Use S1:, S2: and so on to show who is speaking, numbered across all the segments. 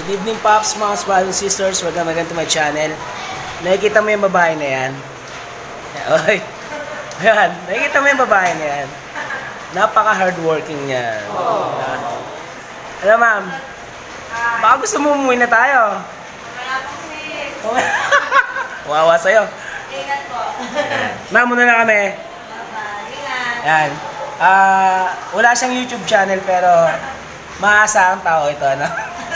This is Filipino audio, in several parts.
S1: Good evening, Pops, mga brothers and sisters. Welcome again to my channel. Nakikita mo yung babae na yan? Oy. Ayan, nakikita mo yung babae na yan? Napaka-hardworking niya. Alam, ma'am, baka gusto mo umuwi na tayo.
S2: Wala po sis.
S1: Wawa sa'yo.
S2: Ingat po.
S1: Ma'am, muna na kami.
S2: Bye-bye. Ingat.
S1: Ayan. Wala siyang YouTube channel pero maasahang tao ito, ano?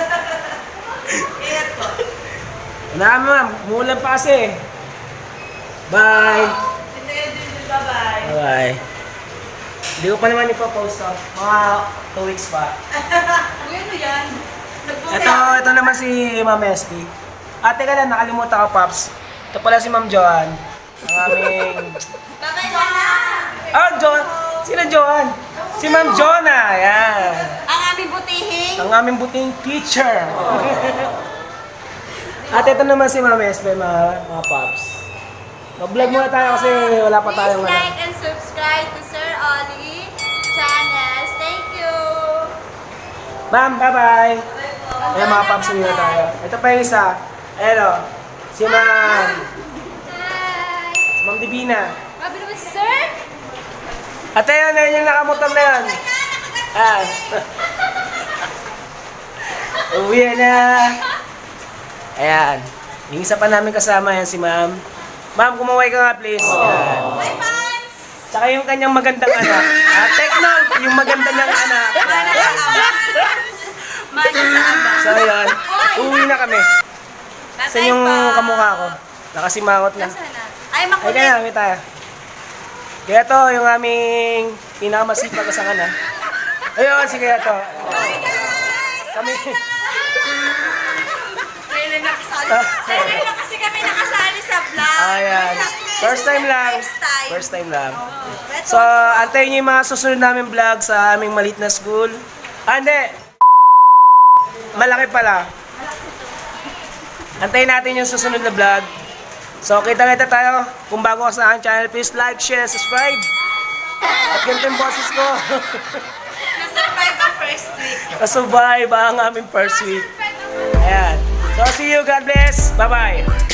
S2: Ingat po.
S1: Wala, ma'am. Umulan pa kasi. Bye.
S2: Sintayin din. Bye-bye.
S1: Bye. Hindi ko pa naman ipopost to. Mga 2 weeks pa.
S2: Uy, ano yan?
S1: Ito naman si Ma'am SP. Teka lang, nakalimutan ko, Pops. Ito pala si Ma'am Joan. Ang aming...
S2: Bye-bye ka na.
S1: Oh, Joan! Sino Joan? Si Ma'am Jonah. Ayan.
S2: Ang aming butihing.
S1: Ang aming buting teacher. At ito naman si Ma'am SP, mga Pops. Mag-vlog muna tayo kasi wala pa tayong...
S2: Please like and subscribe to Sir Ollie channels. Thank you.
S1: Ma'am, bye-bye.
S2: Bye po.
S1: Ayan mga Pops, hindi na tayo. Ito pa yung isa. Ayan o. Si Ma'am.
S2: Hi.
S1: Si Ma'am Divina.
S2: Grabe naman si Sir.
S1: Ate, yun yung nakamotor na yun. Ah. Uwi na. Ayan. Yung isa pa namin kasama yan si Ma'am. Ma'am, kumaway ka nga please. Ayan.
S2: Bye, fans.
S1: Tsaka yung kanyang magandang anak. Take note, yung maganda niyang anak.
S2: Mana sa ama. Mana sa ama.
S1: So yun, uwi na kami. Saan yung kamukha ko? Nakasimangot na.
S2: Nasaan na? Ay,
S1: Ay,
S2: makulit.
S1: kaya kami tayo. Kaya to, yung aming pinakamasipag kasama na. Ayun, si Kaya to.
S2: Bye, guys.
S1: Kami.
S2: Kailan nakasali? Kailan na kasi kami nakasali sa vlog.
S1: Ayan. First time lang. First time lang. So,
S2: So,
S1: antayin niyo yung mga susunod namin vlog sa aming maliit na school. Hindi. Malaki pala. Antayin natin yung susunod na vlog. So, kita-kita tayo. Kung bago ka sa aking channel, please like, share, subscribe. At ganito yung boses ko.
S2: na-survive ang first week.
S1: Kasubay ba ang aming first week? Ayan. So, see you. God bless. Bye-bye.